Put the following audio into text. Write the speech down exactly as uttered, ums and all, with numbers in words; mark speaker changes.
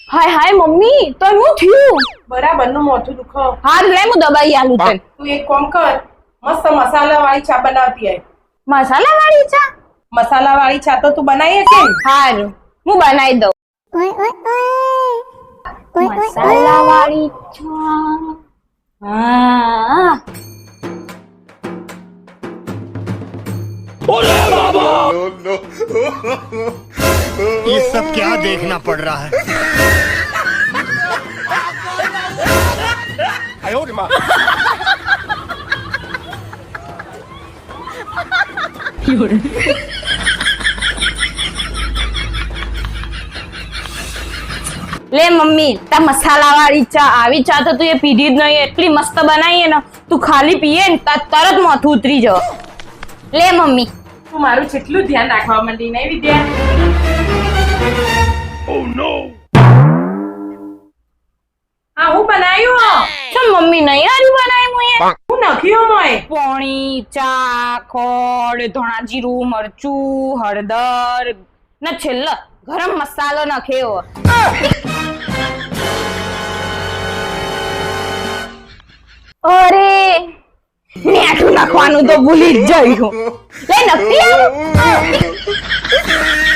Speaker 1: हाय हाय mummy तो नु थયું
Speaker 2: बराबर નું મોઢું દુખો।
Speaker 1: हार ले मु दबाई आलू तन
Speaker 2: તું એક કામ કર, મસ્ત મસાલા વાળી ચા બનાવતી है।
Speaker 1: मसाला वाली चा
Speaker 2: मसाला वाली चा तो तू बनाई है
Speaker 1: हार मु बनाई दो मसाला वाली चा हां
Speaker 3: नो नो ये सब क्या देखना पड़ रहा है। आयो रे मां।
Speaker 1: ले मम्मी ता मसाला वाली चा आवी चा तो तू ये पीधी ज नहीं एटली मस्त बनाई है ना तू खाली पिए ने ता तरत माथું उतरी जाओ। ले मम्मी
Speaker 2: તું મારું જેટલું ધ્યાન રાખવા માંડી નહીં વિદ્યા।
Speaker 3: Oh no.
Speaker 2: હા હું બનાવ્યું
Speaker 1: तो मम्मी नहीं आरी बनाई मुए
Speaker 2: હું નાખ્યું મોય
Speaker 1: पानी चा खोड़ धोना जीरू मरचू हळदर न छेल्ला गरम मसालो नाख्यो। अरे मीठું નાખવાનું તો ભૂલી જ જઈ હું લે નક્કી